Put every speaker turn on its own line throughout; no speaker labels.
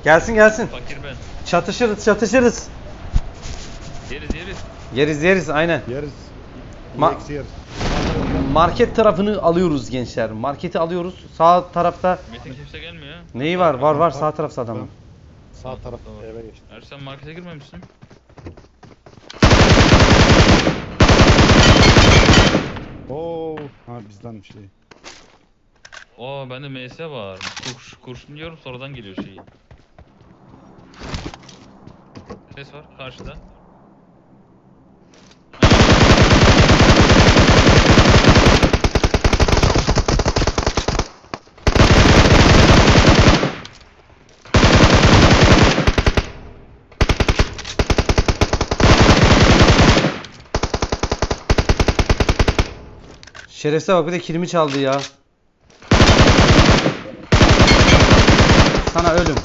Gelsin gelsin.
Fakir ben.
Çatışırız çatışırız.
Yeriz.
Yeriz aynen.
Yeriz.
Ma-
Yeriz.
Market tarafını alıyoruz gençler. Marketi alıyoruz. Sağ tarafta
Metin kimse gelmiyor ya.
neyi var? Var sağ tarafta adamın.
Sağ tarafta eve geçti.
Sen markete girmemişsin.
Oo, ha bizden şey.
Bende MS var. Kurşun diyorum sonradan geliyor şey. Ses var karşıda.
Şerefsize bak bir de kilimi çaldı ya. Sana ölüm.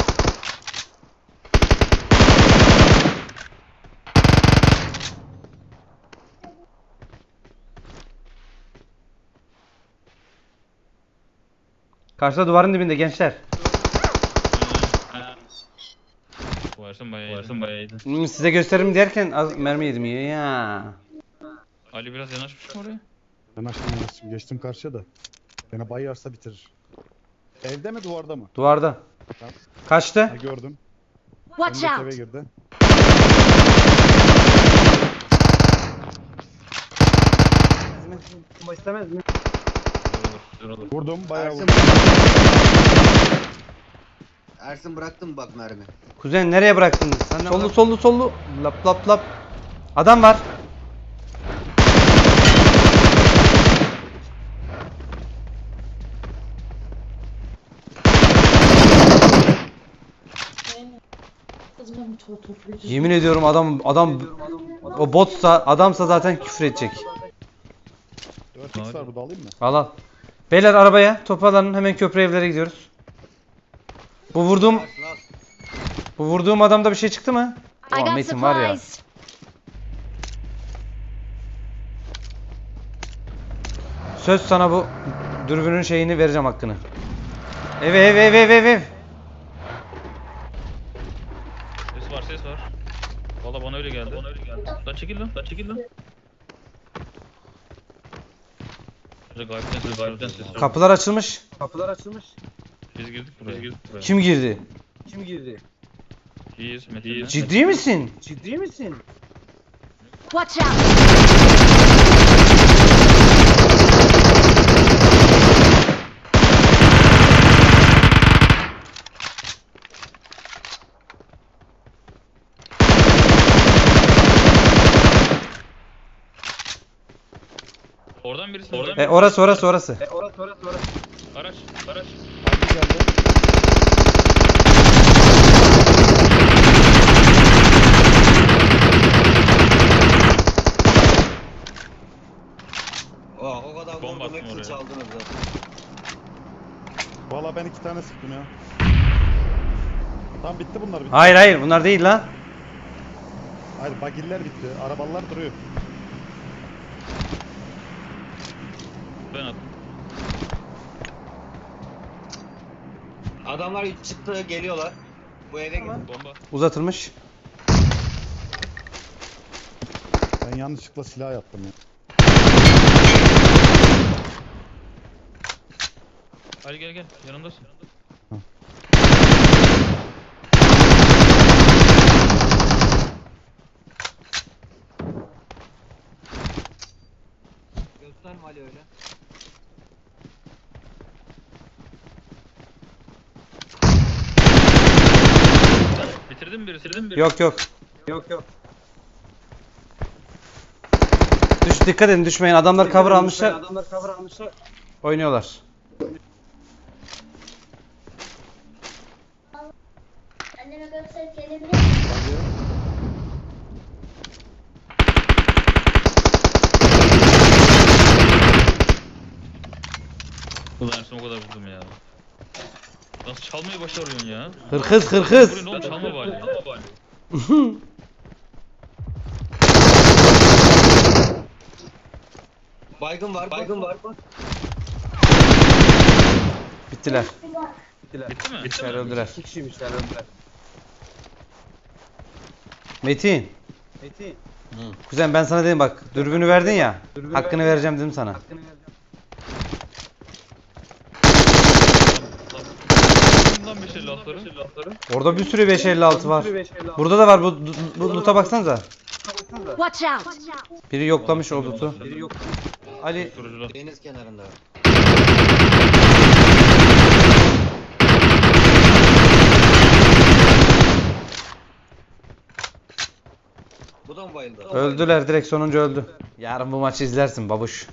Karşıda duvarın dibinde gençler.
Varsın bayağı iyiydi.
Size gösteririm derken az mermi yedim ya.
Ali biraz yanaşmış mı oraya?
Ben açtım geçtim karşıya da. Beni bayarsa bitirir. Evde mi duvarda mı?
Duvarda.
Tamam.
Kaçtı?
Ha, gördüm.
Watch
Önündeki eve
out!
girdi.
İstemez mi?
Olur.
Vurdum bayağı
Ersin,
vurdum.
Ersin bıraktım bak mermi.
Kuzen nereye bıraktın? Sollu. Lap lap lap. Adam var. Yemin ediyorum adam o botsa adamsa zaten küfür edecek.
4x var burada alayım mı?
Al. Beyler arabaya toparlanın hemen köprü evlere gidiyoruz. Bu vurduğum adamda bir şey çıktı mı?
I
Ulan
got
Metin var ya.
supplies.
Söz sana bu dürbünün şeyini vereceğim hakkını. Ev.
Ses var. Valla bana öyle geldi. Lan çekil lan. Gayipten ses var.
Kapılar açılmış.
Biz girdik buraya.
Kim girdi?
İyiyiz Metin'le.
Ciddi misin?
Watch out!
Oradan birisi.
Orası.
Araç.
Hadi geldi.
O kadar
Bomba
vurdum
attım
hepsini
oraya.
çaldınız zaten.
Valla ben 2 tane sıktım ya. Tamam bitti bunlar bitti.
Hayır bunlar değil lan.
Hayır bagiller bitti. Arabalar duruyor.
Ben attım.
Adamlar çıktı geliyorlar. Bu eve gidin.
Bomba.
Uzatılmış.
Ben yanlışlıkla silah yaptım ya.
Ali gel. Yanımdasın.
Gösterme Ali öyle.
Bitirdin mi birisi?
Yok. Dikkat edin düşmeyin. Adamlar cover almışlar. Oynuyorlar.
Anneme gösterip gelebilir miyim?
Bagi.
Ulan Ersin o kadar vurdum ya. Nasıl çalmayı başarıyorsun ya?
Hırkız.
Buraya ne oğlum çalma bari.
Baygın var.
Bittiler.
Bitti mi?
İçeri öldüler.
2 kişiymişler öldüler.
Metin. Kuzen ben sana dedim bak dürbünü verdin ya. Hakkını vereceğim dedim sana.
Bundan 556'ları.
Orada bir sürü 556 var. Burada da var bu loot'a baksanıza.
Watch out!
Biri yoklamış o loot'u. Ali
Kurucular.
Deniz kenarında. Bu da mı bayıldı?
öldüler direkt sonuncu öldü. Yarın bu maçı izlersin babuş.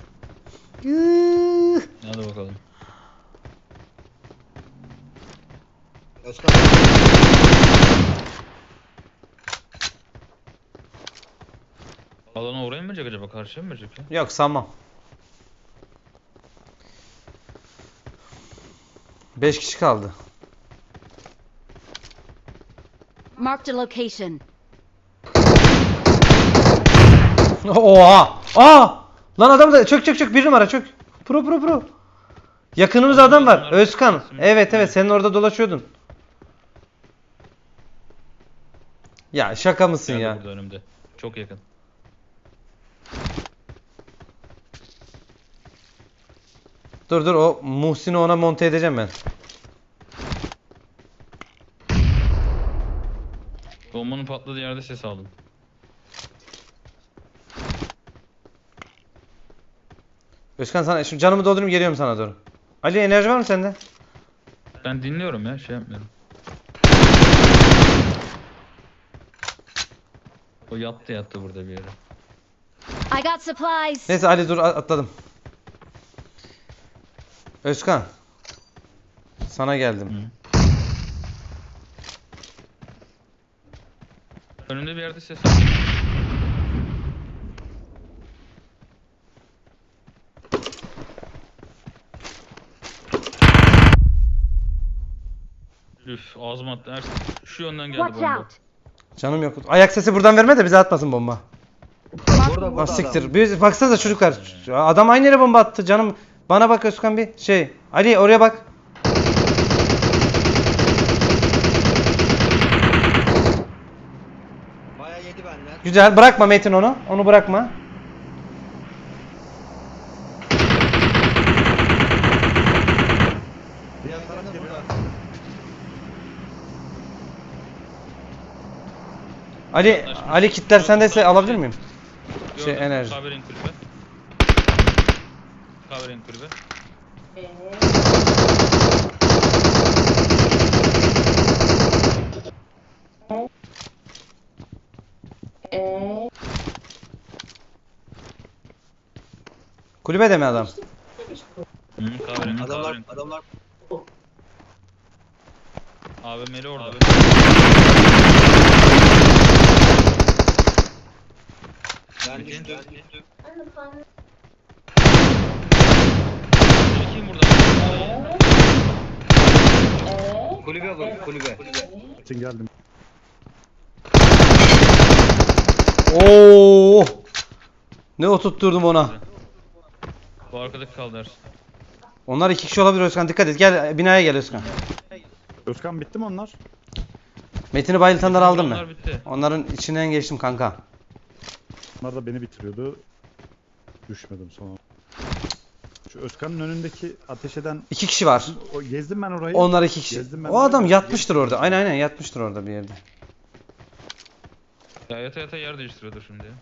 Hadi bakalım.
Özkan.
Alana uğrayın mı acaba? Karşıya mı verecek ya?
Yok sanmam. 5 kişi kaldı.
Marked a location.
Oha! Aa! Lan adam da çök bir numara çök. Pro. Yakınımızda adam var. Özkan. Evet senin orada dolaşıyordun. Ya şaka mısın
Nerede
ya?
burada önümde? Çok yakın.
Dur o Muhsin'i ona monte edeceğim ben.
Bombanın patladığı yerde ses aldım.
Özkan sana şu canımı doldurayım geliyorum sana doğru. Ali enerji var mı sende?
Ben dinliyorum ya, şey yapmıyorum. O yattı burada bir yere.
I got supplies.
Neyse Ali dur atladım. Özkan. Sana geldim.
Önümde bir yerde ses aldım. Üf, ağzıma attı. Şu yönden geldi
Watch
bomba.
out!
Canım yok. Ayak sesi buradan verme de bize atmasın bomba.
Burada
Ah siktir. Bir baksanıza çocuklar. Adam aynı yere bomba attı canım. Bana bak Özkan bir şey. Ali oraya bak.
Bayağı yedi benden.
Güzel. Bırakma Metin onu. Onu bırakma.
Diğer taraf da burada.
Ali kitler sendeyse alabilir miyim?
Gördüm,
enerji.
Kahverengi kulübe. Kahverengi kulübe.
Kulübede mi adam?
Kahverengi.
Adamlar
AVM'li orada.
ben düştüm.
Kim burada?
Kulübe bu, kulübe.
için geldim.
Oo! Ne oturtturdum ona.
Bu arkadaki kaldı Ersin.
Onlar 2 kişi olabilir Özkan. Dikkat et. Gel binaya gel Özkan.
Özkan bitti mi onlar?
Metin'i bayıltanları aldın mı?
Onlar bitti.
Onların içinden geçtim kanka.
Onlar da beni bitiriyordu. Düşmedim sonra. Şu Özkan'ın önündeki ateş eden
2 kişi var.
o gezdim ben orayı.
Onlar 2 kişi.
Gezdim ben
O adam
orayı.
yatmıştır orada. Aynen yatmıştır orada bir yerde.
Ya yata yer değiştiriyordur şimdi ya.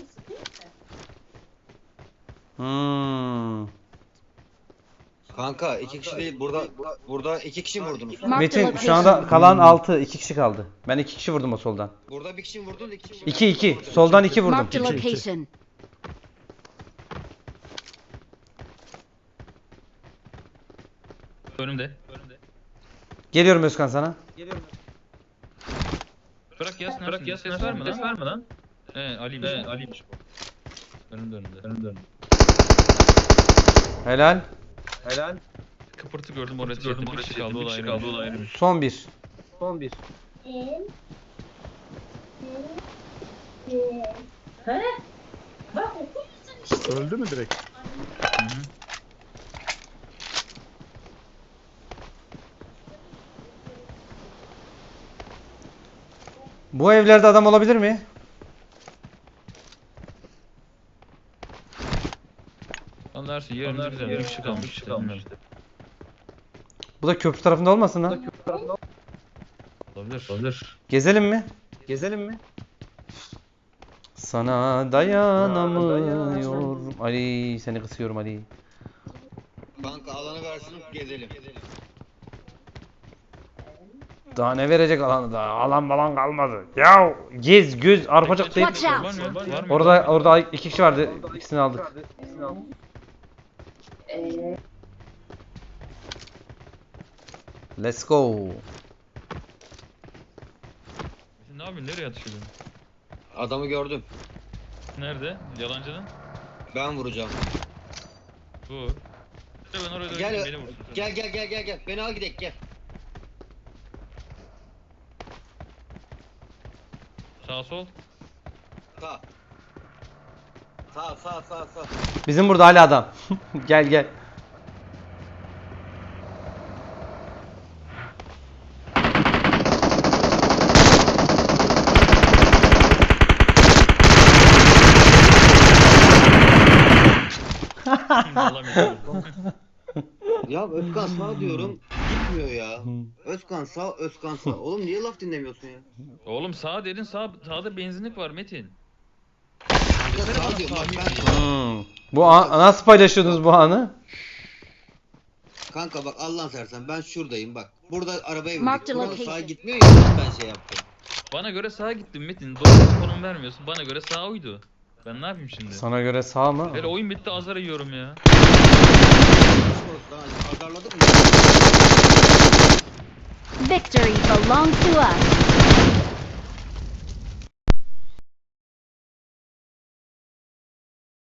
Hmm.
Kanka iki kişi değil, burada iki kişi mi vurdunuz?
Marked a
Metin
location.
şu anda kalan 6. 2 kişi kaldı. Ben 2 kişi vurdum o soldan.
Burada bir kişi mi vurdun, iki kişi mi?
2. Soldan 2 vurdum.
Marked a location.
Önümde.
Geliyorum Özkan sana.
Bırak yazsın. Bırak yazsın. Ses verme lan. Ses verme lan. Ali'ymiş. Ali'ymiş bu. Önümde.
Helal.
Kıpırtı gördüm oraya. Bir kişi kaldı. O da ayrıymış.
Son 1.
Son bir.
Öldü mü direkt?
Bu evlerde adam olabilir mi?
Anlarsın yerimiz güzel. Bir kişi kalmış işte. Bilmiyorum.
Bu da köprü tarafında olmasın lan?
Olabilir. Olabilir.
Gezelim mi?
Gezelim mi?
Sana dayanamıyorum. Ali seni kısıyorum Ali.
Kanka alanı versin gezelim.
Daha ne verecek alanı da? Alan falan kalmadı. Ya gez göz arpacık deyip.
Watch out.
Var mı? Var mı?
Orada iki kişi vardı. İkisini aldık. Let's go.
Ne yapıyorsun? Nereye atışıyordun?
Adamı gördüm.
Nerede? Yalancının?
Ben vuracağım.
Bu. Ben oraya
Gel
döneyim, beni vursun.
gel. Beni al gidelim gel.
Sağ sol.
Sağ. Sağ.
Bizim burada hala adam. Gel.
Alamıyorum.
Ya Özkan sağ diyorum gitmiyor ya. Özkan sağ. Oğlum niye laf dinlemiyorsun ya?
Oğlum sağ dedin, sağda benzinlik var Metin.
Kanka sağ diyorum bak ben.
Bu nasıl paylaşıyordunuz bu anı?
Kanka bak Allah'ın seversen ben şuradayım bak. Burada arabaya
Mark
bindik.
the
Burada
location.
sağa gitmiyor ya ben şey yaptım.
Bana göre sağa gittim Metin. Doğru konum vermiyorsun. Bana göre sağ uydu. Ben ne yapayım şimdi?
Sana göre sağ mı?
Hele oyun bitti azar yiyorum ya.
Azarladık mı?
Victory belongs to us.